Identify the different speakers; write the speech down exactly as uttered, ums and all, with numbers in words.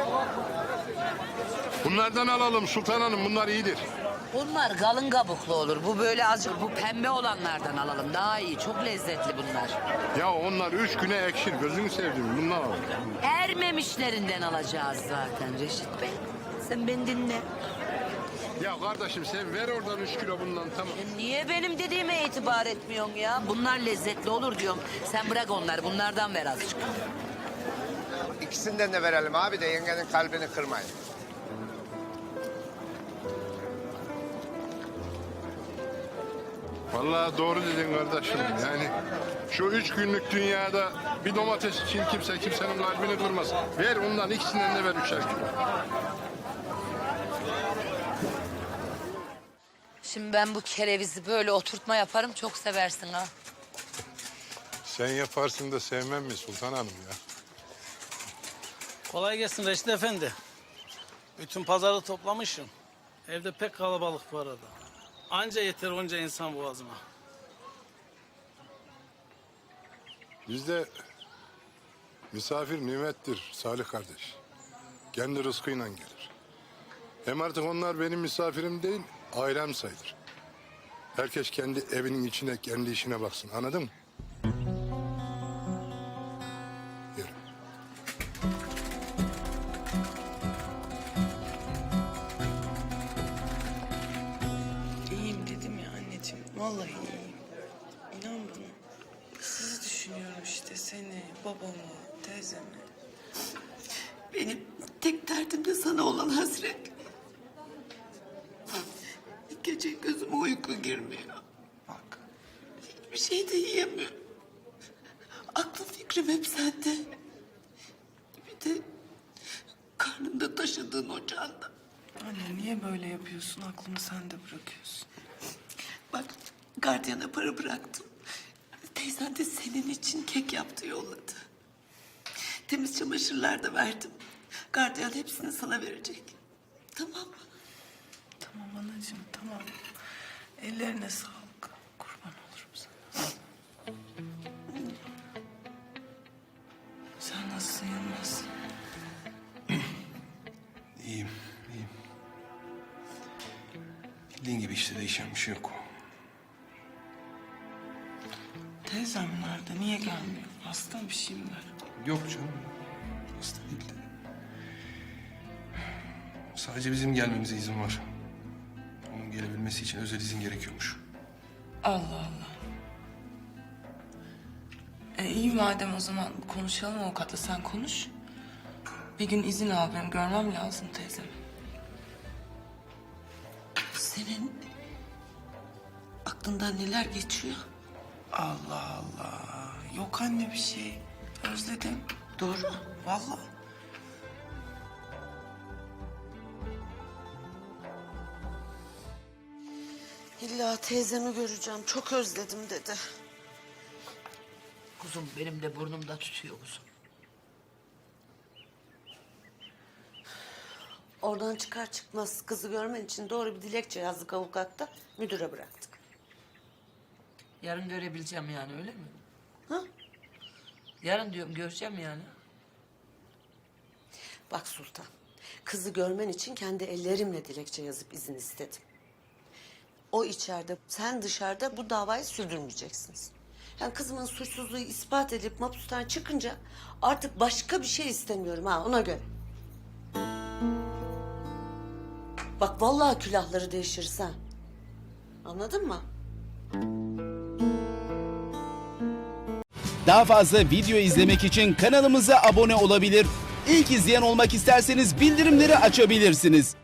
Speaker 1: Bunlardan alalım Sultan Hanım, bunlar iyidir.
Speaker 2: Bunlar kalın kabuklu olur. Bu böyle azıcık bu pembe olanlardan alalım. Daha iyi. Çok lezzetli bunlar.
Speaker 1: Ya onlar üç güne ekşir, gözünü sevdim, bundan alalım.
Speaker 2: Ermemişlerinden alacağız zaten Reşit Bey. Sen beni dinle.
Speaker 1: Ya kardeşim sen ver oradan üç kilo bundan, tamam.
Speaker 2: E niye benim dediğime itibar etmiyorsun ya? Bunlar lezzetli olur diyorum. Sen bırak onları. Bunlardan ver azıcık.
Speaker 3: İkisinden de verelim abi de yengenin kalbini kırmayın.
Speaker 1: Vallahi doğru dedin kardeşim. Yani şu üç günlük dünyada bir domates için kimse kimsenin kalbini kırmaz. Ver ondan, ikisinden de ver üçer kilo.
Speaker 2: Şimdi ben bu kerevizi böyle oturtma yaparım. Çok seversin ha.
Speaker 1: Sen yaparsın da sevmem mi Sultan Hanım ya?
Speaker 4: Kolay gelsin Reşit Efendi. Bütün pazarı toplamışım. Evde pek kalabalık bu arada. Anca yeter onca insan boğazıma.
Speaker 1: Bizde misafir nimettir Salih kardeş. Kendi rızkıyla gelir. Hem artık onlar benim misafirim değil, ailem sayılır. Herkes kendi evinin içine, kendi işine baksın. Anladın mı? Yürü.
Speaker 5: İyiyim dedim ya anneciğim. Vallahi iyiyim. İnan bana. Sizi düşünüyorum işte. Seni, babamı, teyzemi.
Speaker 6: Benim tek derdim de sana olan hasret. Gece gözüme uyku girmiyor.
Speaker 5: Bak.
Speaker 6: Hiçbir şey de yiyemiyorum. Aklım fikrim hep sende. Bir de karnında taşıdığın ocağında.
Speaker 5: Anne niye böyle yapıyorsun? Aklımı sende bırakıyorsun.
Speaker 6: Bak gardiyana para bıraktım. Teyzen de senin için kek yaptı yolladı. Temiz çamaşırlar da verdim. Gardiyan hepsini sana verecek. Tamam mı?
Speaker 5: Tamam anacığım tamam. Ellerine sağlık. Kurban olurum sana. Sen nasılsın Yılmaz?
Speaker 7: İyiyim, iyiyim. Bildiğin gibi işte değişen bir şey yok.
Speaker 5: Teyzem nerede? Niye gelmiyor? Hasta bir şey mi var?
Speaker 7: Yok canım. Hasta değil de. Sadece bizim gelmemize izin var. Onun gelebilmesi için özel izin gerekiyormuş.
Speaker 5: Allah Allah. E iyi madem o zaman konuşalım avukatla sen konuş. Bir gün izin al benim görmem lazım teyzemi.
Speaker 6: Senin aklından neler geçiyor?
Speaker 5: Allah Allah. Yok anne bir şey. Özledim.
Speaker 6: Doğru mu?
Speaker 5: Vallahi.
Speaker 6: İlla teyzemi göreceğim. Çok özledim dedi.
Speaker 2: Kuzum benim de burnumda tutuyor kuzum.
Speaker 6: Oradan çıkar çıkmaz kızı görmen için doğru bir dilekçe yazdık avukatta. Müdüre bıraktık.
Speaker 2: Yarın görebileceğim yani öyle mi?
Speaker 6: Ha?
Speaker 2: Yarın diyorum göreceğim yani.
Speaker 6: Bak Sultan, kızı görmen için kendi ellerimle dilekçe yazıp izin istedim. O içeride, sen dışarıda bu davayı sürdürmeyeceksiniz. Yani kızımın suçsuzluğu ispat edilip mahpustan çıkınca artık başka bir şey istemiyorum ha ona göre. Bak vallahi külahları değişiriz ha. Anladın mı?
Speaker 8: Daha fazla video izlemek için kanalımıza abone olabilir. İlk izleyen olmak isterseniz bildirimleri açabilirsiniz.